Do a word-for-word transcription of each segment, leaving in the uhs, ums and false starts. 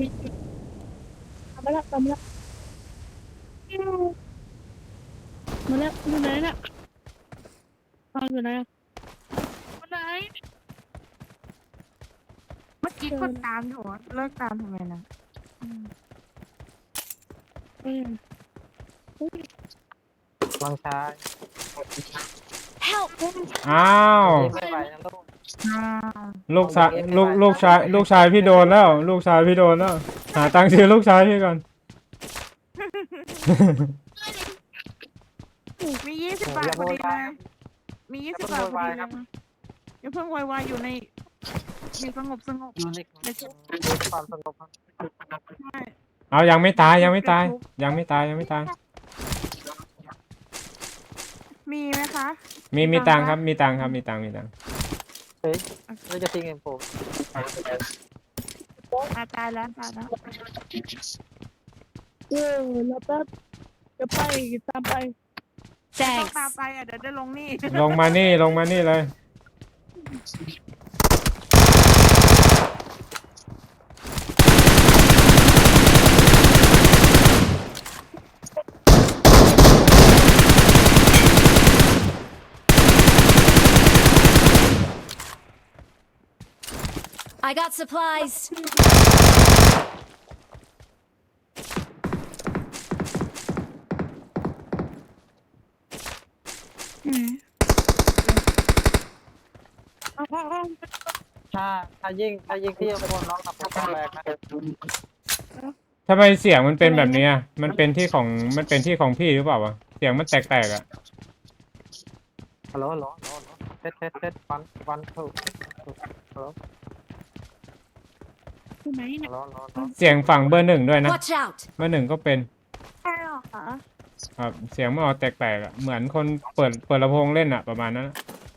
ทำมาแล้วทำมาแล้วมาแล้วอยู่ไหนน่ะตอนอยู่ไหนอยู่ไหนเมื่อกี้กดตามอยู่เลิกตามทำไมนะเออลองชาย Help! อ้าวไม่ไหวนะลูกลูกชายลูกลูกชายลูกชายพี่โดนแล้วลูกชายพี่โดนแล้วหาตังค์ซื้อลูกชายพี่ก่อนมียี่สิบบาทพอดีเลยมียี่สิบบาทพอดีเลยอย่าเพิ่งวายวายอยู่ในอยู่สงบสงบอยู่ในความสงบใช่เอายังไม่ตายยังไม่ตายยังไม่ตายยังไม่ตายมีไหมคะมีมีตังค์ครับมีตังค์ครับมีตังค์มีตังค์เฮ้ยเราจะทิ้งเองผมอาตายแล้วตายแล้วเออแล้วแป๊บจะไปตามไปต้อง Thanks. ตามไปอ่ะเดี๋ยวได้ลงนี่ลงมานี่ลงมานี่เลย I got supplies. ถ้าถ้ายิ่งถ้ายิ่งที่จะโดนน้องกับผมแรกนะทำไมเสียงมันเป็นแบบนี้อ่ะมันเป็นที่ของมันเป็นที่ของพี่หรือเปล่าวะเสียงมันแตกๆอ่ะฮัลโหลฮัลโหลฮัลโหลเทสเทสเทสวันวันทูฮัลโหลอยู่ไหนฮัน่ะลโหลฮัลโหลฮัลโหลเสียงฝั่งเบอร์หนึ่งด้วยนะ Watch out! เบอร์หนึ่งก็เป็นใช่หรอคะครับเสียงมันออกแตกๆอ่ะเหมือนคนเปิดเปิดลำโพงเล่นอ่ะประมาณนั้นอะ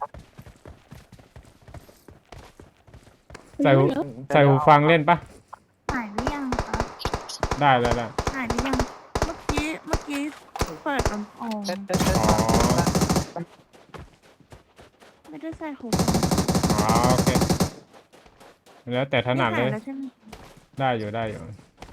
ใส่หูใส่หูฟังเล่นปะหายหรือยังคะได้ได้ได้หายหรือยังเมื่อกี้เมื่อกี้เปิดลำโพงเทสเทสเทสอ๋อไม่ได้ใส่หูอ๋อโอเคแล้วแต่ถนัดเลยไม่หายแล้วใช่ไหมได้อยู่ได้อยู่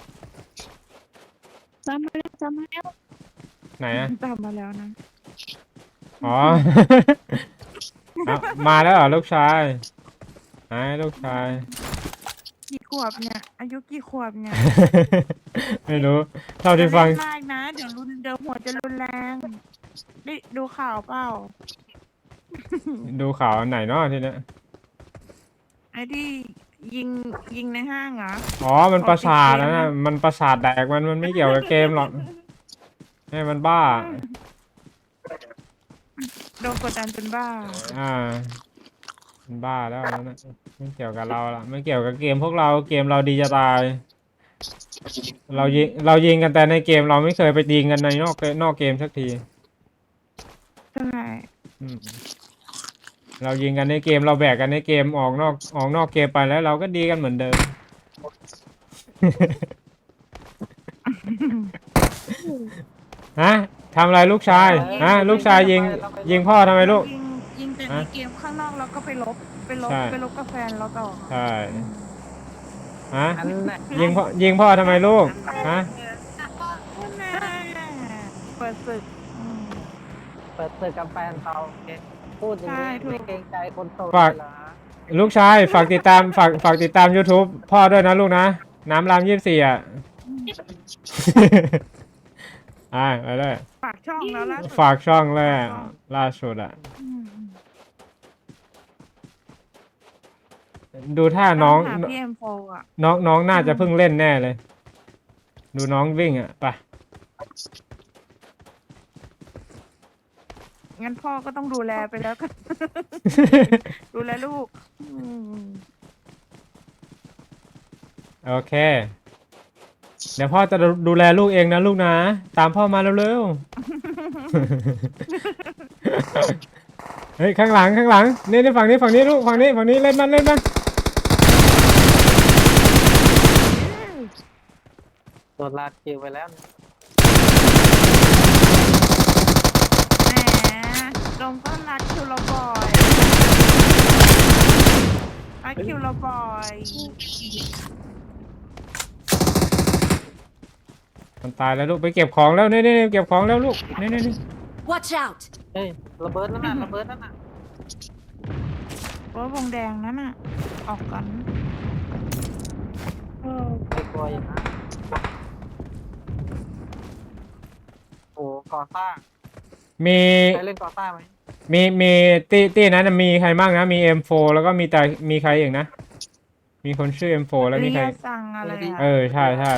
ตามมาแล้วตามมาแล้วไหนอ่ะตามมาแล้วนะอ๋อ เอามาแล้วเหรอลูกชายไหนลูกชายกี่ขวบเนี่ย อายุกี่ขวบเนี่ยไม่รู้เท่าที่ฟังอย่าเล่นมากนะ เดี๋ยวรุนเดี๋ยวหัวจะรุนแรงได้ดูข่าวเปล่าดูข่าวอันไหนเนาะทีเนี้ยไอ้ที่ยิงยิงในห้างเหรออ๋อมันประสาทนะนะมันประสาทแดกมันมันไม่เกี่ยวกับเกมหรอกให้มันบ้าโดนกดดันจนบ้าอ่ามันบ้าแล้วอันนั่นนะไม่เกี่ยวกับเราละไม่เกี่ยวกับเกมพวกเราเกมเราดีจะตาย เรายิงเรายิงกันแต่ในเกมเราไม่เคยไปยิงกันในนอกนอกเกมสักทีใช่อืมเรายิงกันในเกมเราแบกกันในเกมออกนอกออกนอกเกมไปแล้วเราก็ดีกันเหมือนเดิม ฮะทำอะไรลูกชายฮะลูกชายยิงยิงพ่อทำไมลูกยิงยิงแต่ในฮะเกมข้างนอกแล้วก็ไปลบไปลบใช่ไปลบกับแฟนเราต่อใช่ฮะอันน่ะยิงพ่อยิงพ่อทำไมลูกฮะแน่เปิดศึกอืมเปิดตึกกับแฟนเขาพูดอย่างนี้ไม่เกรงใจคนโตเหรอลูกชายฝากติดตามฝากฝากติดตาม YouTube พ่อด้วยนะลูกนะน้ำรามยี่สิบสี่อ่ะ อ่าไปเลยฝากช่องแล้วล่ะฝากช่องเลยอะล่าสุดอ่ะ ดูท่าน้องหาพี่เอ็มโฟอ่ะน้องน้องน่าจะเพิ่งเล่นแน่เลย ดูน้องวิ่งอ่ะไปงั้นพ่อก็ต้องดูแลไปแล้วกัน ดูแลลูกอืมโอเค เดี๋ยวพ่อจะดูดูแลลูกเองนะลูกนะ ตามพ่อมาเร็วๆ เฮ้ยข้างหลังข้างหลังนี่นี่ฝั่งนี้ฝั่งนี้ลูกฝั่งนี้ฝั่งนี้เล่นมันเล่นมันโดนลากคิวไปแล้วแหมลงก็รักคิวเราบ่อยรักคิวเราบ่อยมันตายแล้วลูกไปเก็บของแล้วนี่นี่เก็บของแล้วลูกนี่นี่นี่ Watch out! เฮ้ยระเบิดนั่นน่ะระเบิดนั่นน่ะเพราะวงแดงนั้นน่ะ ออกกันเออไม่กลัวอย่างนั้นโอ้ก่อสร้างมีใครเล่นก่อสร้างไหมมีมีตีตีนั้นนะมีใครบ้างนะมี เอ็ม โฟร์ แล้วก็มีแต่มีใครอีกนะมีคนชื่อ เอ็ม โฟร์ แล้วมีเรีใครยสั่งอะไรอะเออใช่ใช่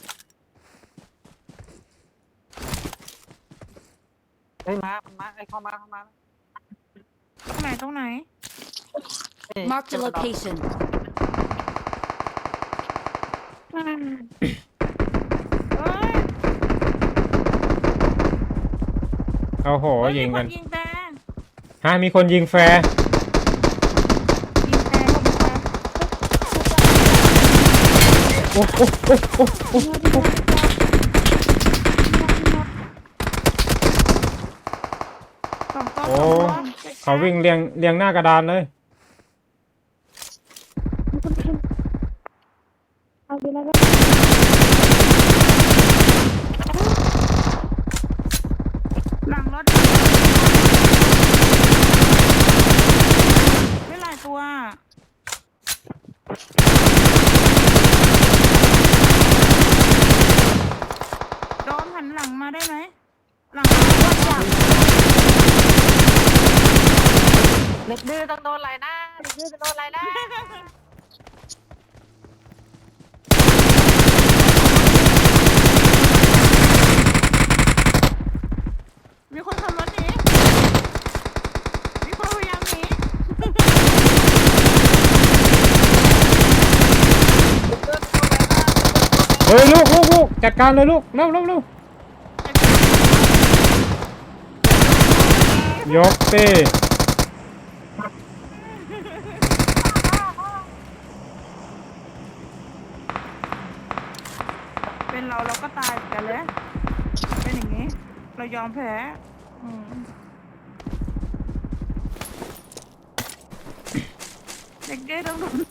เฮ้ยมามันมาไอ้ยเข้ามาเข้ามาตรงไหนตรงไหนเฮ้ย Marked a location. อ่าเอ้ยโอ้โหเฮ้ยิงกันมีคยิงแต่ฮะมีคนยิงแฟร์ยิงแต่ยิงแต่โอ้โหโอ้โหโอ้โหพี่มดพี่มดสองตัวโอ้สองตัวเขาวิ่งเรียงเรียงหน้ากระดานเลยมีคนขึ้นเอาไปแล้วก็หลังรถไม่หลายตัว โดนหันหลังมาได้ไหม หลัง Watch out! เด็กดื้อต้องโดนอะไรนะเด็กดื้อจะโดนอะไรนะมีคนขับรถหนี มีคนพยายามหนีเฮ้ยลูกลูกลูกจัดการเลยลูกเร็วเร็วเร็ว ยกตีเป็นเราเราก็ตายเหมือนกันเลย เป็นอย่างนี้ เรายอมแพ้อืมเด็กได้ต้องโดน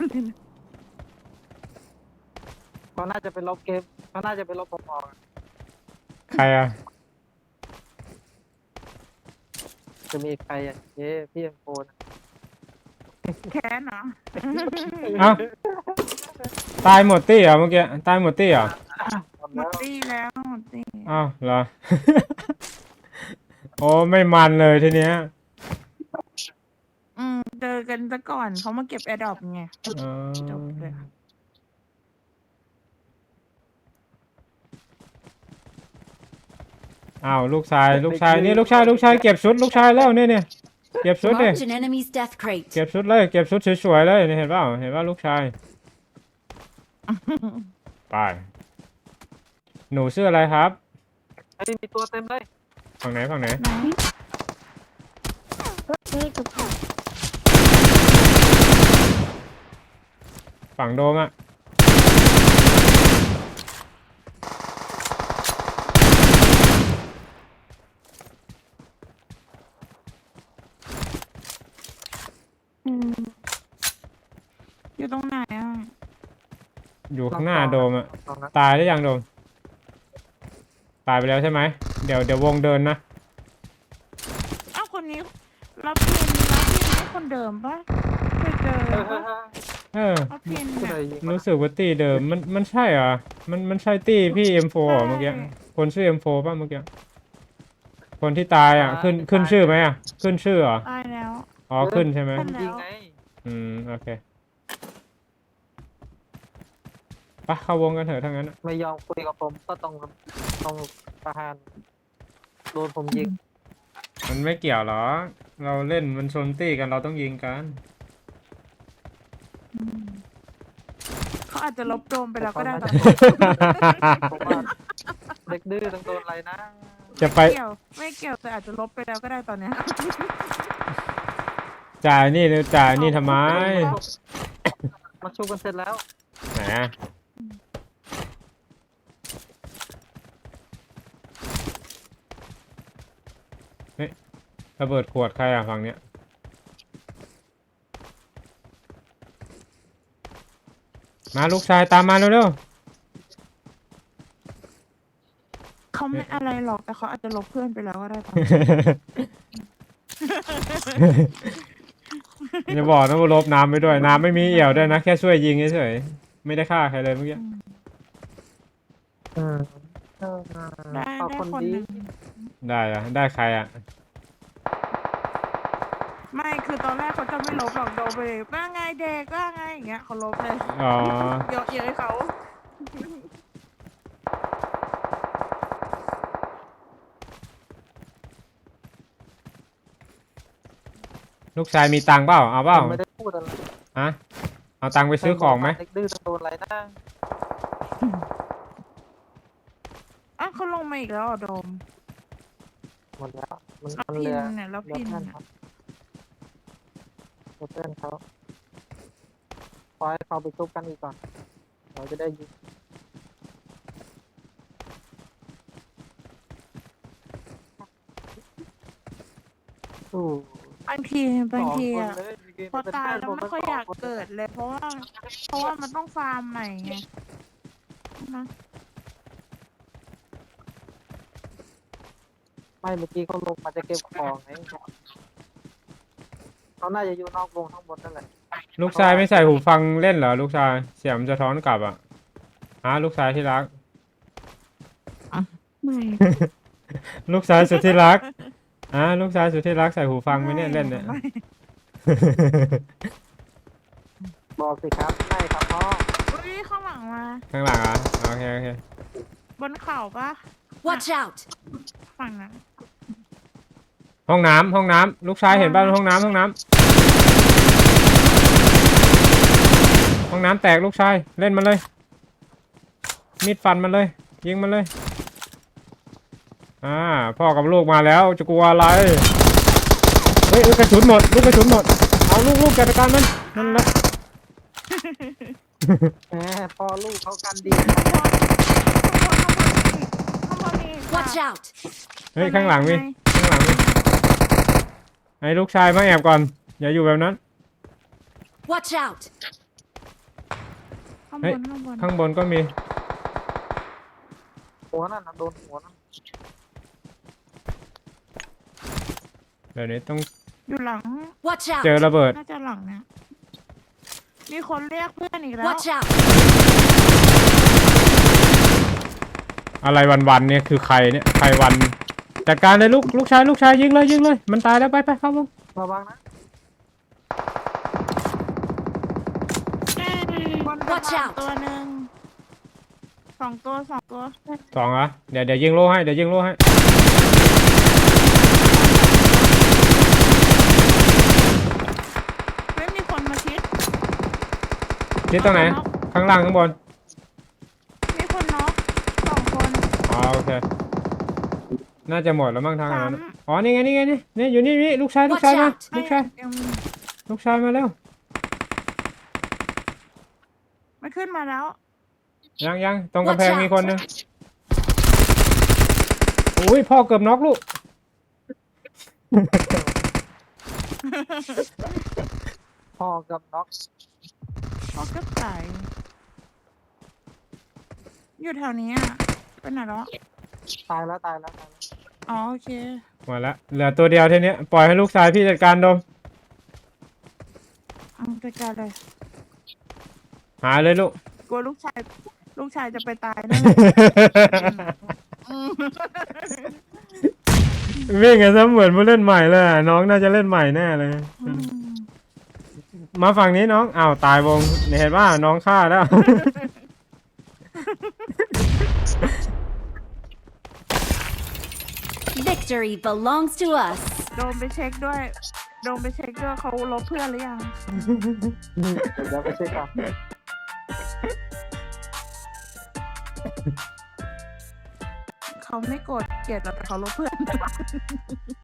เขาน่าจะเป็นลบเกมเขาน่าจะเป็นลบผมออกใครอ่ะจะมีใครอ่ะเย้พี่เอ็มโฟนแค้นเหรอเอ้าตายหมดตี้เหรอเมื่อกี้ตายหมดตี้เหรอหมดตีแล้วหมดตีอ้าวเหรอ โอ้ไม่มันเลยทีเนี้ยอืมเจอกันซะก่อนเขามาเก็บแอร์ดรอปไงอ๋อจบเลยอ้าวลูกชายลูกชายนี่ลูกชายลูกชายเก็บชุดลูกชายแล้วเนี่ยเนี่ยเก็บชุดดิ Marked an enemy's death crate. เก็บชุดเลยเก็บชุดสวยๆเลยนี่เห็นเปล่าเห็นว่าลูกชายไปหนูชื่ออะไรครับไอ้ยมีตัวเต็มเลยฝั่งไหนฝั่งไหนไหนเลิกกับเขาฝั่งโดมอ่ะอืมอยู่ตรงไหนอ่ะอยู่ข้างหน้าโดมอ่ะตรงนั้นตายหรือยังโดมตายไปแล้วใช่ไหมเดี๋ยวเดี๋ยววงเดินนะอ้าวคนนี้รับเพนรับเพนให้คนเดิมปะเคยเจอเฮ้ยปะเฮ้ยเฮ้ยรับเพนผู้เนี่ใดยยิงมารู้สึกว่าตี้เดิมมันมันใช่เหรอมันมันใช่ตี้พี่ เอ็ม โฟร์ เหรอเมื่อกี้ใช่คนชื่อ เอ็ม โฟร์ ป่ะเมื่อกี้คนที่ตายอ่ะขึ้นขึ้นชื่อไหมอ่ะขึ้นชื่อเหรอตายแล้วอ๋อขึ้นใช่ไหมขึ้นยิงไงอืมโอเคไปเข้าวงกันเถอะทั้งนั้นอะไม่ยอมคุยกับผมก็ต้องต้องประหารโดนผมยิงมันไม่เกี่ยวหรอเราเล่นมันชนตี้กันเราต้องยิงกันเขาอาจจะลบโดมไปแล้วก็ได้ตอนผมว่าเด็กดื้อต้องโดนอะไรนะจะไปเกี่ยวไม่เกี่ยวแต่อาจจะลบไปแล้วก็ได้ตอนเนี้ยจ่ายนี่หรือจ่ายนี่ทำไมมาชูกันเสร็จแล้วไหนอะเฮ้ยระเบิดขวดใครอ่ะฝั่งเนี้ยมาลูกชายตามมาเร็วเขาไม่อะไรหรอกแต่เขาอาจจะลบเพื่อนไปแล้วก็ได้ปะอย่าบอกนะว่าลบน้ำไปด้วยน้ำไม่มีเอี่ยวด้วยนะแค่ช่วยยิงเฉยๆไม่ได้ฆ่าใครเลยเมื่อกี้อืมเออได้ขอบได้คนคนดีหนึ่งได้อะได้ใครอะไม่คือตอนแรกเขาจะไม่ลบหรอกโดนไปเลยว่าไงเด็กว่าไงอย่างเงี้ยเขาลบเลยอ๋อเยอะเย้ยเขาลูกชายมีตังค์เปล่าเอาเปล่าผมไม่ได้พูดอะไรฮะเอาตังค์ไปซื้อของไหมเด็กดื้อโดนอะไรนะอ่ะเขาลงมาอีกแล้วเหรอโดมหมดแล้วมันแล้วมันพิเรืนอเนี่ยแล้วเรือพินเพื่อนเนี่ยเขาเรือเพื่อนเขาปล่อยให้เขาไปซุบกันอีกก่อนเราจะได้ยิงอู้บางทีบางทีสอ่ะคนเลยเมื่กี้พอเป็นตายเพื่นแล้วผไม่ค่อยอยากสงคนเกิดเลย เพราะว่า เพราะว่ามันต้องฟาร์มใหม่ไงนะไม่เมื่อกี้เขาลงมาจะเก็บของไงเขาน่าจะอยู่นอกวงข้างบนนั่นแหละลูกชายไม่ใส่หูฟังเล่นเหรอลูกชายเสียงมันจะท้อนกลับอ่ะฮะลูกชายที่รักไม่ลูกชายสุดที่รักอ่ะลูกชายสุดที่รักใส่หูฟังไหมเนี่ยเล่นเนี่ยไม่บอกสิครับไม่ครับพ่ออุ้ยข้างหลังมาข้างหลังอ่ะโอเคโอเคบนเขาปะ Watch out! ฝั่งนั้นห้องน้ำห้องน้ำลูกชายเห็นป่ะห้องน้ำห้องน้ำห้องน้ำแตกลูกชายเล่นมันเลยมีดฟันมันเลยยิงมันเลยอ่าพ่อกับลูกมาแล้วจะกลัวอะไรเฮ้ยลูกกระสุนหมดลูกกระสุนหมดเอาลูกลูกจัดการมันนั่นแหละแหมพ่อลูกเขากันดีข้างบนข้างบนนี่ Watch out! เฮ้ยข้างหลังมีข้างหลังมีให้ลูกชายมาแอบก่อนอย่าอยู่แบบนั้น Watch out! ข้างบเฮ้ยนข้างบนข้างบนก็มีหัวนั่นน่ะโดนหัวนั่นเดี๋ยวนี้ต้องอยู่หลัง Watch เจอ out! ระเบิดน่าจะหลังเนี่ยมีคนเรียกเพื่อนอีกแล้ว Watch out! อะไรวันๆเนี่ยคือใครเนี่ยใครวันจัดการเลยลูกลูกชายลูกชายยิงเลยยิงเลยมันตายแล้วไปไปเข้าวงระวังนะบน Watch สะพาน out ตัวหนึ่งสองตัวสองตัวสองเหรอเดี๋ยวเดี๋ยวยิงโล่ให้เดี๋ยวยิงโล่ให้ไม่มีคนมาชิดที่ตรงไหนข้างล่างข้างบนมีคนน็อกสองคนอ๋อโอเคน่าจะหมดแล้วมั้งทางนั้นสามอ๋อนี่ไงนี่ไงนี่นี่อยู่นี่นี่ลูกชายลูกชายมา Watch out ลูกชายยังมีลูกชายมาแล้วไม่ขึ้นมาแล้วยังยังตรงกำแพง Watch out มีคนหนึงอุ้ยพ่อเกือบน็อกลูกพ่อกับน็อกเขาก็ตายอยู่แถวนี้อ่ะเป็นไหนแล้วตายแล้วตายแล้วตายแล้วอ๋อโอเคหมดละเหลือตัวเดียวทีเนี้ยปล่อยให้ลูกชายพี่จัดการดมเอาจัดการเลยหาเลยลูกกลัวลูกชายลูกชายจะไปตายนะอืมวิ่งกันซะเหมือนผู้เล่นใหม่เลยอะน้องน่าจะเล่นใหม่แน่เลยอืมมาฝั่งนี้น้องอ้าวตายวงเนี่ยเห็นว่าน้องฆ่าแล้ว Victory belongs to us. โดนไปเช็คด้วยโดนไปเช็คด้วยเขาลบเพื่อนหรือยังเดี๋ยวเดี๋ยวไปเช็คก่อนเขาไม่โกรธเกลียดหรอกแต่เขาลบเพื่อน